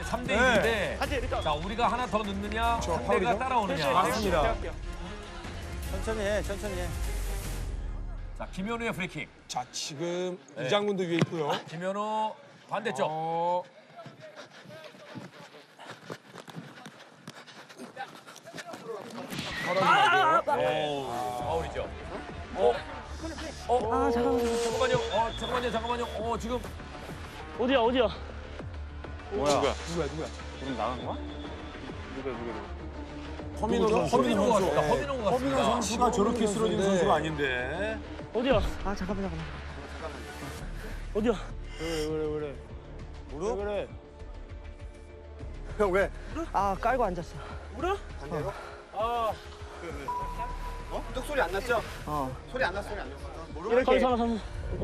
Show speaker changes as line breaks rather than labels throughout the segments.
3대 1인데 자, 우리가 하나 더 넣느냐, 상대가 따라오느냐.
맞습니다.
천천히 해, 천천히 해.
자, 김현우의 프리킥.
자, 지금 이장군도 위에 있고요.
김현우 반대쪽. 파울이죠. 잠깐만요. 지금
어디야?
누구야?
허민호가 같습니다.
허민호 선수가 저렇게 쓰러진 선수가 아닌데.
어디야? 어디야?
무릎?
그래.
형 왜?
아 깔고 앉았어.
반대로? 뚝 소리 안 났죠?
어.
소리 안 났어, 소리 안 났어.
이렇게. 잠깐만.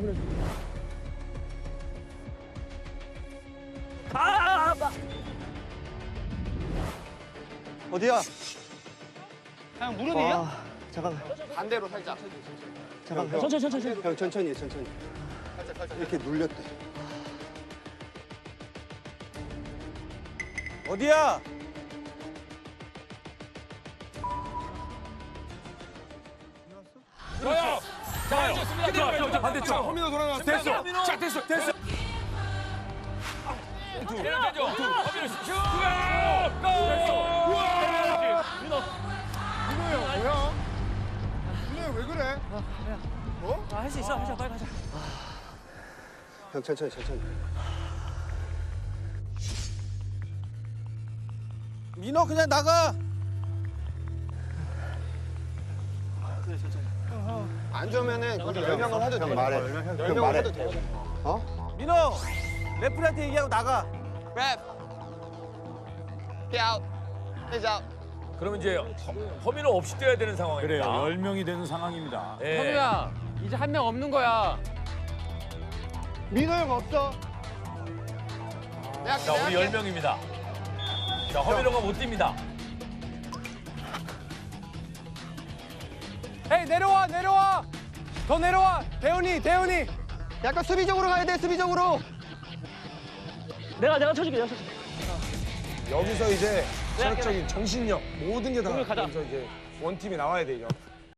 어디야?
그냥 무릎이야?
와 잠깐만.
반대로 살짝.
잠깐만.
천천히.
형 천천히 해, 천천히. 살짝. 이렇게 눌렸대. 어디야?
좋아요. 좋습니다. 반대쪽.
허민호 돌아나왔어. 됐어. 자, 됐어.
내려가죠. 허민호 슛. 골!
왜 그래?
할 수 있어. 빨리 가자.
형 천천히. 민호 그냥 나가. 안 좋으면은 우리 10명을 해도 돼. 말해. 10명을 해도 돼. 어? 민호! 레프리한테 얘기하고 나가.
그러면 이제 허민호 없이 뛰어야 되는 상황입니다.
그래요. 10명이 되는 상황입니다.
예.
현우야, 이제 한 명 없는 거야.
민호 형 없어.
자, 우리 10명입니다. 자, 허민호가 못 뜁니다.
헤이, 내려와. 더 내려와. 대훈이.
약간 수비적으로 가야 돼, 수비적으로.
내가 쳐줄게.
여기서 이제 체력적인 정신력 모든 게 다
가자.
여기서 이제 원팀이 나와야 돼, 이제.